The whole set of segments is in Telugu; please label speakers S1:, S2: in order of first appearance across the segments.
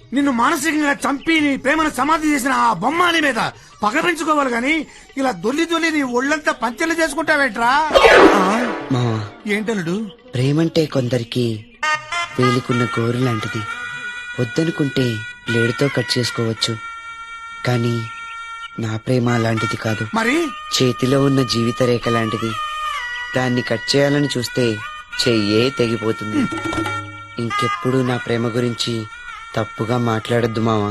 S1: నిన్ను మానసికంగా చంపి నీ ప్రేమను సమాధి చేసిన ఆ బొమ్మాని మీద పగ పెంచుకోవాలి గాని ఇలా దొల్లి దొల్లి నీ ఒళ్ళంతా పంచెలు చేసుకుంటావేట్రా?
S2: మావా,
S1: ఏంటలుడు?
S2: ప్రేమంటే కొందరికి వేలికున్న గోరు లాంటిది. వద్దనుకుంటే బ్లేడుతో కట్ చేసుకోవచ్చు, కానీ నా ప్రేమ అలాంటిది కాదు.
S1: మరి
S2: చేతిలో ఉన్న జీవిత రేఖ లాంటిది. దాన్ని కట్ చేయాలని చూస్తే చెయ్యే తెగిపోతుంది. ఇంకెప్పుడు నా ప్రేమ గురించి తప్పుగా మాట్లాడొద్దు మావా.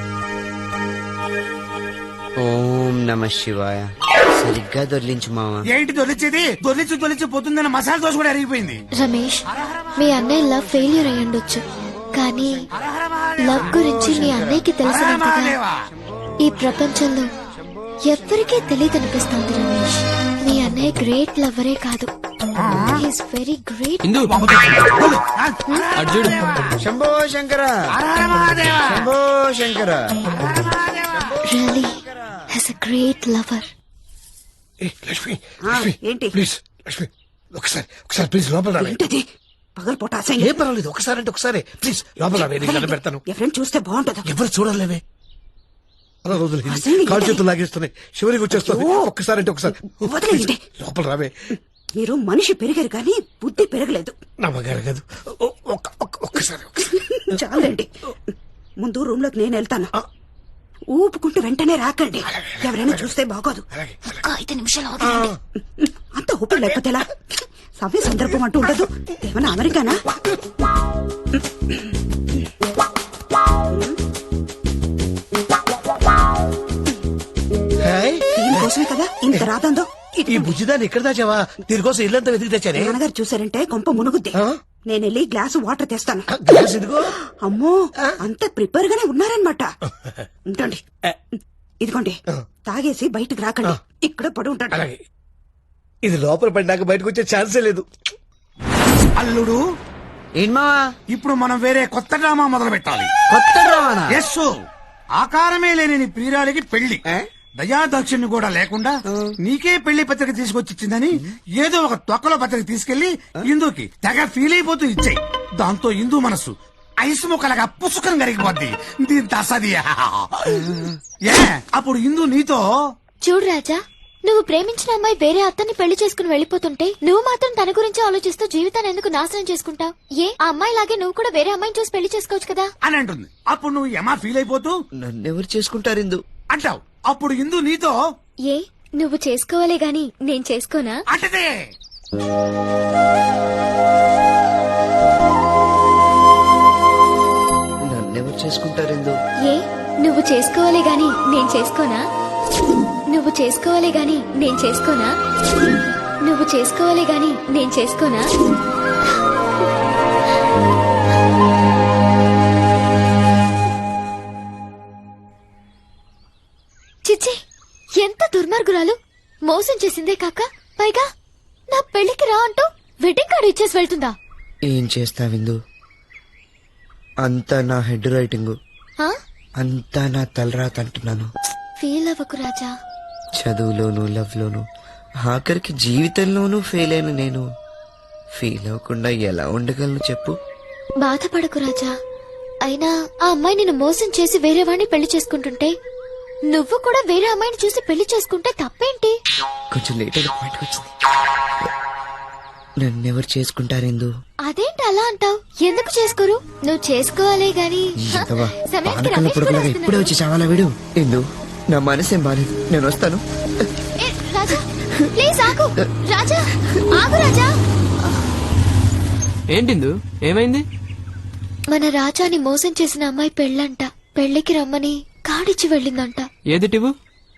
S2: ఓం నమ శివాయ. సరిగ్గా దొర్లించు మావా.
S1: ఏంటి దొరిచేది? దొరిచి పోతుందని మసాలా దోశ కూడా అరిగిపోయింది.
S3: రమేష్, మీ అన్నయ్య లవ్ ఫెయిల్యూర్ అయ్యుండొచ్చు, కానీ లవ్ గురించి మీ అన్నయ్యకి తెలిసినంతగా ఈ ప్రపంచంలో ఎవ్వరికీ తెలియదనిపిస్తోంది. రమేష్, మీ అన్నయ్య గ్రేట్ లవరే కాదు, he's very great.
S2: Shambho Shankara, Shambho Shankara.
S3: Really he's a great lover.
S4: ఏంటి
S1: ప్లీజ్ లక్ష్మి, ఒకసారి ప్లీజ్ లోపల రావే.
S4: పగలపూట
S1: ఏం పర్వాలేదు, ఒకసారి అంటే ఒకసారి ప్లీజ్ లోపల రావే. నేను దండం పెడతాను.
S4: ఎవరైనా చూస్తే బాగుంటది.
S1: ఎవరు చూడలేవే. అలా రోజులు కాలు చేతులు లాగేస్తున్నాయి, శివరికి వచ్చేస్తుంది. ఒక్కసారి అంటే ఒకసారి
S4: వదిలేయండి.
S1: లోపల రావే.
S4: మీరు మనిషి పెరిగారు కానీ బుద్ధి పెరగలేదు.
S1: నమ్మగారు కాదు, ఒక్కసారి
S4: చాలండి. ముందు రూమ్ లోకి నేను వెళ్తాను. ఊపుకుంటూ వెంటనే రాకండి, ఎవరైనా చూస్తే బాగోదు. 5 నిమిషాలు అవుతుంది. అంత ఊపిరి లేకపోతే ఎలా? సవ్య సందర్భం అంటూ ఉండదు. ఏమన్నా అమెరికానా? దీనికోసమే కదా ఇంత రాదందో.
S1: ఈ బుజ్జిదాన్ని ఎక్కడ దాచావా? దీనికోసం ఇల్లంతా వెతికి తెచ్చానే.
S4: నాన్నగారు చూసారంటే కొంప మునుగుద్ది. నేను వెళ్ళి గ్లాసు వాటర్ తెస్తాను. అమ్మో, అంత ప్రిపేర్ గానే ఉన్నారనమాట. ఉంటండి, ఇదిగోండి. తాగేసి బయటకు రాకండి, ఇక్కడ పడి ఉంటాడు.
S1: ఇది లోపల పడినాక బయటకు వచ్చే ఛాన్సే లేదు. అల్లుడు,
S2: ఏంమావా,
S1: ఇప్పుడు మనం వేరే కొత్త డ్రామా మొదలు పెట్టాలి.
S2: కొత్త డ్రామానా?
S1: ఎస్, ఆకారమే లేని నీ ప్రియురాలికి పెళ్లి. దయాదక్షిణ్ణి కూడా లేకుండా నీకే పెళ్లి పత్రిక తీసుకొచ్చిచ్చిందని ఏదో ఒక తొక్కలో పత్రిక తీసుకెళ్లి ఇందుకి తెగ ఫీల్ అయిపోతూ ఇచ్చాయి. దాంతో ఇందు మనసు ఐస్ ముక్కలగా పుసుకం కరిగిపోద్ది. దీని తసది. అప్పుడు ఇందు నీతో,
S3: చూడు రాజా, నువ్వు ప్రేమించిన అమ్మాయి వేరే అతన్ని పెళ్లి చేసుకుని వెళ్లిపోతుంటే నువ్వు మాత్రం తన గురించి ఆలోచిస్తూ జీవితాన్ని ఎందుకు నాశనం చేసుకుంటావు? ఏ, ఆ అమ్మాయి లాగే నువ్వు కూడా వేరే అమ్మాయిని చూసి పెళ్లి చేసుకోవచ్చు కదా
S1: అని అంటుంది. అప్పుడు నువ్వు ఏమా ఫీల్ అయిపోతూ
S2: నన్నెవరు చేసుకుంటారు ఇందు
S1: అంటావు. అప్పుడు ఇందు నీతో,
S3: ఏ, నువ్వు చేసుకోవాలే గాని నేను చేసుకోనా
S1: అంటదే.
S2: నన్నెవరు చేసుకుంటారు ఇందు?
S3: ఏ, నువ్వు చేసుకోవాలే గాని నేను చేసుకోనా? నువ్వు చేసుకోవాలే గాని నేను చేసుకోనా? నువ్వు చేసుకోవాలే గాని నేను చేసుకోనా? చిచ్చి, ఎంత దుర్మార్గురాలు! మోసం చేసిందే కాక పైగా నా పెళ్లికి రా అంటూ వెడ్డింగ్ కార్డు ఇచ్చేసి వెళ్తుందా?
S2: ఏం చేస్తావిందు, అంతా నా హెడ్ రైటింగ్,
S3: ఆ?
S2: అంతా నా తలరాత అంటున్నాను.
S3: ఫీల్ అవ్వకు రాజా.
S2: చదువులోను, లవ్ లోను, ఆఖరికి జీవితంలోనూ ఫెయిల్ అయిన నేను ఫీల్ అవ్వకుండా ఎలా ఉండగలను చెప్పు?
S3: బాధపడకు రాజా. అయినా ఆ అమ్మాయి నిన్ను మోసం చేసి వేరే వాడిని పెళ్లి చేసుకుంటుంటే నువ్వు కూడా వేరే అమ్మాయిని చూసి పెళ్లి చేసుకుంటే తప్పేంటి?
S2: కొంచెం లేట్ అయిన పాయింట్కి వచ్చింది. నన్నెవరు చేసుకుంటారెందు?
S3: అదేంటి అలా అంటావు? ఎందుకు చేసుకోరు? నువ్వు చేసుకోవాలే గాని.
S2: ఇప్పుడే వచ్చి చావాలా వీడు? ఎందు, నా మనసేం బాలేదు, నేను వస్తాను.
S3: రాజా ప్లీజ్ ఆగు. రాజా ఆగు. రాజా,
S5: ఏంటిందు, ఏమైంది?
S3: మన రాజాని మోసం చేసిన అమ్మాయి పెళ్ళంట. పెళ్లికి రమ్మని కాడిచ్చి వెళ్ళిందంట.
S5: ఏదిటివు?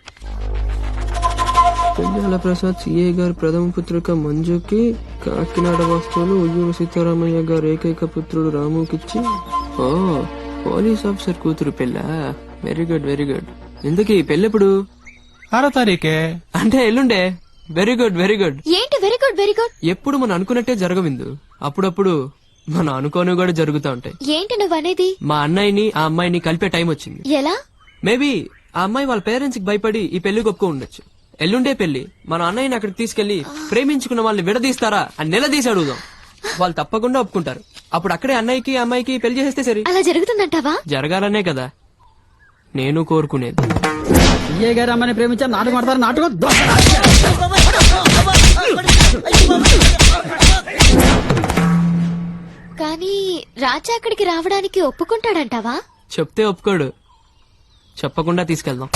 S5: పెంజాల ప్రసాద్ సిఏ గారి ప్రథమ పుత్రిక మంజుకి, కాకినాడ వస్తువులు ఉయ్యూరు సీతారామయ్య గారు ఏకైక పుత్రుడు రాముకిచ్చి. ఓ, పోలీస్ ఆఫీసర్ కూతురు పెళ్ళా? Very good, very good. ఇందుకీ పెళ్ళెప్పుడు?
S6: 6వ తారీఖే.
S5: అంటే ఎల్లుండే. Very good, very good.
S3: ఏంటి వెరీ గుడ్, వెరీ గుడ్?
S5: ఎప్పుడు మనం అనుకున్నట్టే జరగవిందు, అప్పుడప్పుడు మనం అనుకోని కూడా జరుగుతూ ఉంటాయి.
S3: ఏంటి నువ్వనేది?
S5: మా అన్నయ్యని ఆ అమ్మాయిని కలిపే టైం వచ్చింది.
S3: ఎలా?
S5: మేబీ ఆ అమ్మాయి వాళ్ళ పేరెంట్స్ కి భయపడి ఈ పెళ్లి ఒప్పుకో ఉండొచ్చు. ఎల్లుండే పెళ్లి, మన అన్నయ్యని అక్కడికి తీసుకెళ్లి ప్రేమించుకున్న వాళ్ళని విడదీస్తారా అని నిలదీసి అడుగుదాం. వాళ్ళు తప్పకుండా ఒప్పుకుంటారు. అప్పుడు అక్కడే అన్నయ్యకి అమ్మాయికి పెళ్లి చేసేస్తే సరి.
S3: అలా జరుగుతుందంటావా?
S5: జరగాలనే కదా నేను కోరుకునేది.
S6: ఏ గారు అమ్మని ప్రేమించారు నాటకం ఆడతారు నాటకం
S3: కానీ రాజా అక్కడికి రావడానికి ఒప్పుకుంటాడంటావా?
S5: చెప్తే ఒప్పుకోడు, చెప్పకుండా తీసుకెళ్దాం.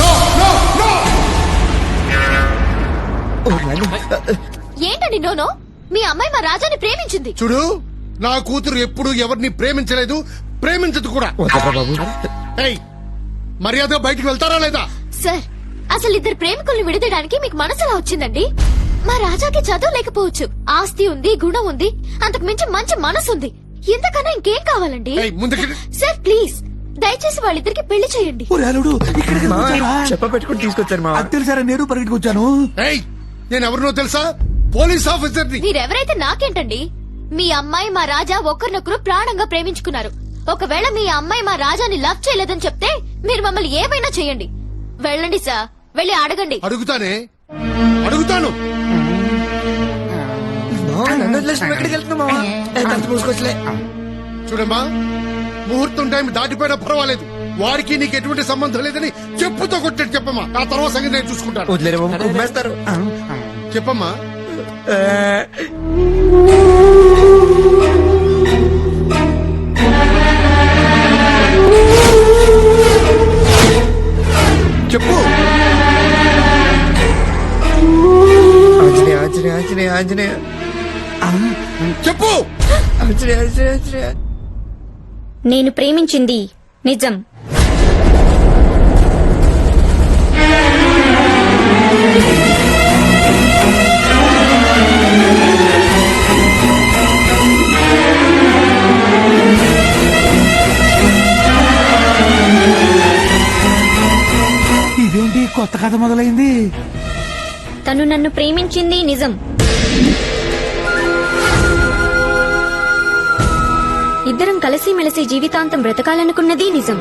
S3: ఏంటండి నోనో? మీ అమ్మాయి మా రాజాని ప్రేమించింది.
S7: చూడు, నా కూతురు ఎప్పుడు ఎవరిని ప్రేమించలేదు, ప్రేమించదు కూడా. ఏయ్, మర్యాదగా బయటికి వెళ్తారా లేదా?
S3: సార్, అసలు ఇద్దరు ప్రేమికుల్ని విడదీయడానికి మీకు మనసులా వచ్చిందండి? మా రాజాకి చదువు లేకపోవచ్చు, ఆస్తి ఉంది, గుణం ఉంది, అంతకు మించి మంచి మనసు ఉంది. ఇంతకన్నా ఇంకేం కావాలండి?
S7: ఏయ్, ముందుకి
S3: సార్ ప్లీజ్, దయచేసి వాళ్ళిద్దరికి పెళ్లి చేయండి.
S1: అల్లుడు ఇక్కడికి వచ్చావా?
S2: చెప్పబెట్టుకుని తీసుకొచ్చారు మా
S1: అది తెలుసారా, నేను పరిగెట్టుకొచ్చాను.
S7: ఏయ్, నేను ఎవరినో తెలుసా? పోలీస్ ఆఫీసర్ని.
S3: మీరెవరైతే నాకేంటండి? మీ అమ్మాయి మా రాజా ఒకరినొకరు ప్రాణంగా ప్రేమించుకున్నారు. ఒకవేళ మీ అమ్మాయి మా రాజాని లవ్ చేయలేదని చెప్తే మీరు మమ్మల్ని ఏమైనా చేయండి. వెళ్ళండి సార్, వెళ్ళి అడగండి.
S7: అడుగుతానే, అడుగుతాను.
S2: ఎక్కడికి వెళ్తున్నామా? మూసుకొచ్చలే.
S7: చూడమ్మా, ముహూర్తం టైం దాటిపోయినా పర్వాలేదు, వారికి నీకు ఎటువంటి సంబంధం లేదని చెప్పుతో కొట్టాడు. చెప్పమ్మా, ఆ తర్వాత సంగతి నేను చూసుకుంటాను.
S2: వదిలేరు ఉమ్మేస్తారు.
S7: చెప్పమ్మా.
S2: చెప్పు. ఆంజనేయ ఆంజనేయ ఆంజనేయ ఆంజనేయ
S7: చెప్పు.
S2: ఆంజనేయ ఆంజనేయ ఆంజనేయ.
S8: నేను ప్రేమించింది నిజం.
S1: ఇదేంటి కొత్త కథ మొదలైంది?
S8: తను నన్ను ప్రేమించింది నిజం. ఇద్దరం కలిసిమెలిసి జీవితాంతం బ్రతకాలనుకున్నది నిజం.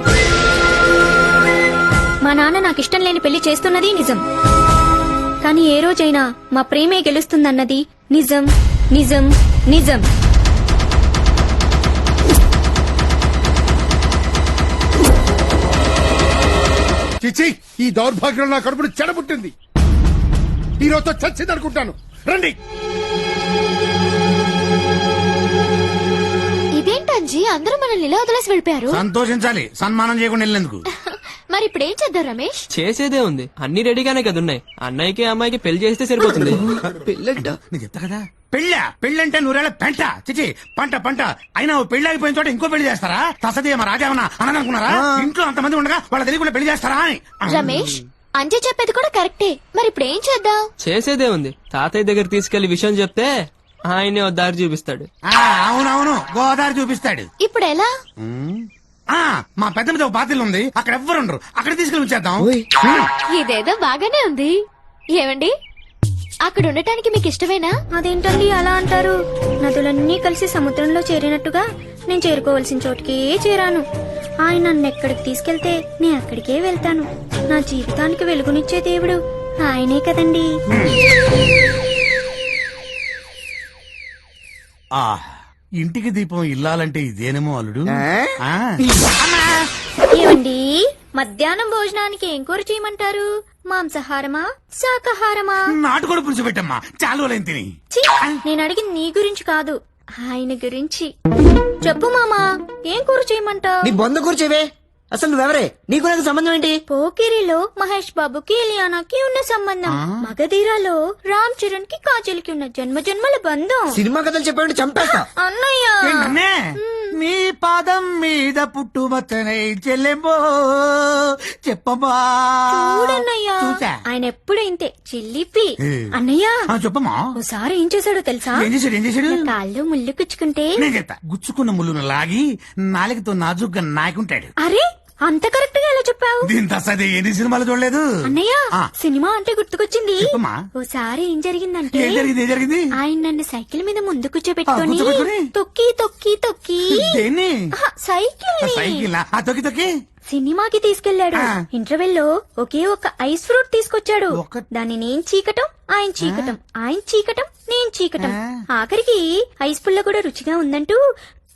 S8: మా నాన్న నాకిష్టం లేని పెళ్లి చేస్తున్నది నిజం. కానీ ఏ రోజైనా మా ప్రేమే గెలుస్తుందన్నది నిజం నిజం నిజం.
S7: చిచి, ఈ దౌర్భాగ్యం నా కడుపును చెడబుట్టింది. ఈ రోజుతో చచ్చింది అనుకుంటాను. రండి.
S3: ఇదేంటంజీ, అందరూ మనల్ని ఇలా వదిలేసి వెళ్ళిపోయారు?
S1: సంతోషించాలి, సన్మానం చేయకుండా వెళ్ళినందుకు.
S3: మరి ఇప్పుడు ఏం చేద్దాం రమేష్?
S5: చేసేదే ఉంది, అన్ని రెడీగానే కదా ఉన్నాయి. అన్నయ్యకి అమ్మాయికి పెళ్లి చేస్తే సరిపోతుంది.
S2: పిల్లంట.
S1: నేను చెప్తా కదా, పెళ్ళంటే నూరేళ్ల పెంట. చిచి, పంట. అయినా ఓ పెళ్లి అయిపోయిన చోట ఇంకో పెళ్లి చేస్తారా? తసదే మా రాజావన్నా అననుకున్నారా? ఇంట్లో అంతమంది ఉండగా వాళ్ళ తెలియకుండా పెళ్లి చేస్తారా అని.
S3: రమేష్, అంజీ చెప్పేది కూడా కరెక్టే. మరి ఇప్పుడు ఏం చేద్దాం?
S5: చేసేదే ఉంది, తాతయ్య దగ్గర తీసుకెళ్లి విషయం చెప్తే ఆయనే ఓ దారి చూపిస్తాడు.
S1: అవునవును, గోదావరి చూపిస్తాడు.
S3: ఇప్పుడు ఎలా?
S1: మా పెద్ద మీద ఒక పాత్రలు ఉంది, అక్కడ ఎవ్వరు ఉండరు, అక్కడ తీసుకెళ్ళి ఉంచేద్దాం.
S3: ఇదేదో బాగానే ఉంది. ఏమండి, అక్కడ ఉండటానికి మీకు ఇష్టమేనా?
S8: అదేంటండి అలా అంటారు? నదులన్నీ కలిసి సముద్రంలో చేరినట్టుగా నేను చేరుకోవలసిన చోటుకే చేరాను. ఆయన నన్ను ఎక్కడికి తీసుకెళ్తే నేను అక్కడికే వెళ్తాను. నా జీవితానికి వెలుగునిచ్చే దేవుడు ఆయనే కదండి.
S1: ఇంటికి దీపం ఇల్లాలంటే ఇదేనేమో అల్లుడు. ఆ.
S8: ఏమండి, మధ్యాహ్నం భోజనానికి ఏం కూర చేయమంటారు? మాంసాహారమా శాకాహారమా?
S1: నాటుకోడి పులుసు పెట్టమ్మా, చాలు లేని తిని.
S8: ఛీ, నేను అడిగింది నీ గురించి కాదు, ఆయన గురించి. చెప్పు మామా, ఏం కూర చేయమంటావు?
S2: నీ బొంద కూర్చేవే. అసలు నువ్వెవరే? నీకు నాకు సంబంధం ఏంటి?
S8: పోకిరిలో మహేష్ బాబుకి ఇలియానాకి ఉన్న సంబంధం, మగధీరాలో రామ్ చరణ్ కి కాజల్ కి ఉన్న జన్మ జన్మల బంధం.
S2: సినిమా కథలు చెప్పాడు చంపేస్తా.
S8: అన్నయ్య,
S1: ఏంటన్నే? నీ పాదం మీద పుట్టుమచ్చనే చెల్లెంబో చెప్పమ్మా.
S8: చూడన్నయ్యా,
S1: చూసా.
S8: ఆయన ఎప్పుడు ఇంతే చిల్లిపి. అన్నయ్య,
S1: చెప్పమ్మా.
S8: ఓసారి ఏం చేశాడో తెలుసా?
S1: ఏం చేశాడు?
S8: నా కాళ్ళు ముళ్ళు కుచ్చుకుంటే
S1: నేను చెప్తా. గుచ్చుకున్న ముళ్ళును లాగి నాలుగుతో నాజుగ్గా నాకుంటాడు.
S8: అరే, అంత కరెక్ట్ గా ఎలా చెప్పావు?
S1: దీని తసది ఎన్ని సినిమాలు చూడలేదు.
S8: అన్నయ్య,
S1: ఆ.
S8: సినిమా అంటే గుర్తుకొచ్చింది.
S1: చెప్పమ్మా.
S8: ఓసారి ఏం జరిగిందంటే,
S1: ఏం జరిగింది?
S8: ఆయన నన్ను సైకిల్ మీద ముందు కూర్చోబెట్టుకొని
S1: కూర్చోబెట్టుకొని?
S8: తొక్కి తొక్కి తొక్కి
S1: దేన్ని?
S8: సైకిల్
S1: సైకిల్ తొక్కి
S8: సినిమాకి తీసుకెళ్లాడు.
S1: ఆ.
S8: ఇంటర్వెల్ లో ఒకే ఒక ఐస్ ఫ్రూట్ తీసుకొచ్చాడు. దాన్ని నేను చీకటం, ఆయన చీకటం, ఆయన చీకటం, నేను చీకటం.
S1: ఆ.
S8: ఆఖరికి ఐస్ పుల్ల కూడా రుచిగా ఉందంటూ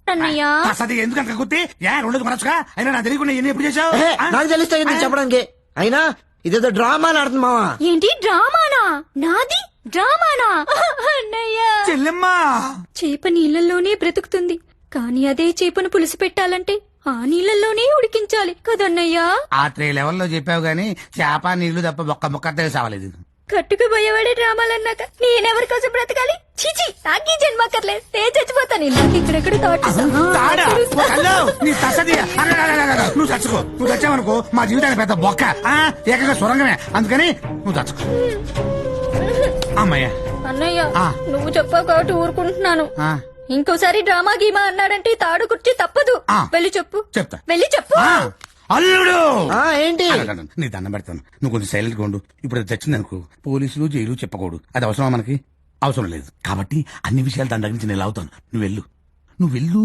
S8: అన్నయ్య
S1: అసలు ఎందుకంత గుర్తి రెండు మనసుగా అయినా నాకు తెలియకుండా ఎన్ని ఎప్పుడు చేసావు
S2: ఏహే, నాకు తెలిస్తే ఇది చెప్పడానికి అయినా ఇదేదో డ్రామా ఆడుతుంది మావా.
S8: ఏంటి డ్రామానా? నాది డ్రామానా? అన్నయ్య
S1: చెల్లెమ్మా
S8: చేప నీళ్ళల్లోనే బ్రతుకుతుంది, కానీ అదే చేపను పులుసు పెట్టాలంటే ఆ నీళ్ళల్లోనే ఉడికించాలి కదన్నయ్యా.
S1: ఆ 3 లెవెల్లో చెప్పావు గానీ చేప నీళ్లు తప్ప ఒక్క ముక్క సావలేదు.
S8: కట్టుకు పోయేవాడే డ్రామాలన్నాక నేనెవరి కోసం బ్రతకాలి? చీచి, నాకీ జన్మక్కర్లేదు, నేను చచ్చిపోతాను. నాకు ఇక్కడెక్కడ
S1: తాడా? ఓ కల్లో, నీ తసది. నువ్వు చచ్చుకో. నువ్వు చచ్చావనుకో మా జీవితానికి పెద్ద బొక్క. ఏకంగా సొరంగమే. అందుకని నువ్వు చచ్చుకో. అమ్మయ్య
S8: అన్నయ్య
S1: ఆ.
S8: నువ్వు చెప్పావు కాబట్టి ఊరుకుంటున్నాను.
S1: ఆ,
S8: ఇంకోసారి డ్రామా గీమా అన్నాడంటే తాడు కుర్చీ తప్పదు.
S1: ఆ.
S8: వెళ్ళి చెప్పు,
S1: చెప్తా.
S8: వెళ్ళి చెప్పు.
S1: ఆ, అల్లుడు
S2: ఏంటి
S1: నీ దండం పెడతాను. నువ్వు కొంచెం సైలెంట్ గా ఉండు. ఇప్పుడు అది తెచ్చింది అనుకో పోలీసులు జైలు చెప్పకూడదు. అది అవసరమా మనకి? అవసరం లేదు. కాబట్టి అన్ని విషయాలు దాని దగ్గర నుంచి నేను అవుతాను. నువ్వు వెళ్ళు, నువ్వు వెళ్ళు.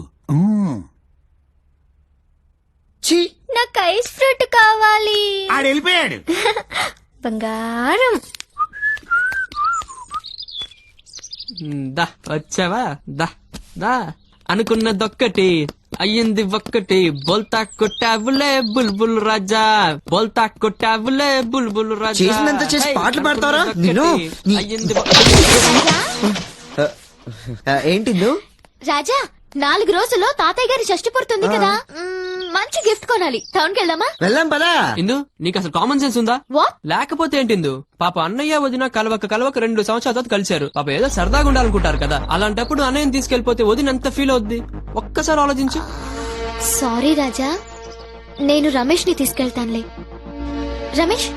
S2: ఛీ,
S8: నాకు ఐస్ ఫ్రూట్ కావాలి.
S1: ఆడు వెళ్ళిపోయాడు.
S8: బంగారం.
S5: దా వచ్చావా? దా దా అనుకున్నదొక్కటి అయ్యింది ఒక్కటి. బోల్తా కొట్టావులే బుల్బుల్ రాజా, బోల్తా కొట్టావులే బుల్బుల్ రాజా.
S2: చేసినంత చేసి పాటలు పాడతావరా? నిన్ను నీ-
S5: అయ్యింది
S2: ఏంటి ఇందు?
S3: రాజా 4 రోజుల్లో తాతయ్య గారి షష్టి పుడుతుంది కదా, మంచి గిఫ్ట్ కొనాలి. టౌన్ కి వెళ్దామా?
S2: వెళ్దాం పదా.
S5: ఇందు నీకు అసలు కామన్ సెన్స్ ఉందా?
S3: వాట్?
S5: లేకపోతే ఏంటిందు? పాప అన్నయ్య వదిన కలవక 2 సంవత్సరాల తర్వాత కలిశారు. పాప ఏదో సరదాగా ఉండాలనుకుంటారు కదా, అలాంటప్పుడు అన్నయ్యని తీసుకెళ్లిపోతే వదిన ఎంత ఫీల్ అవుద్ది? ఒక్కసారి ఆలోచించు.
S3: సారీ రాజా, నేను రమేష్ ని తీసుకెళ్తానులే. రమేష్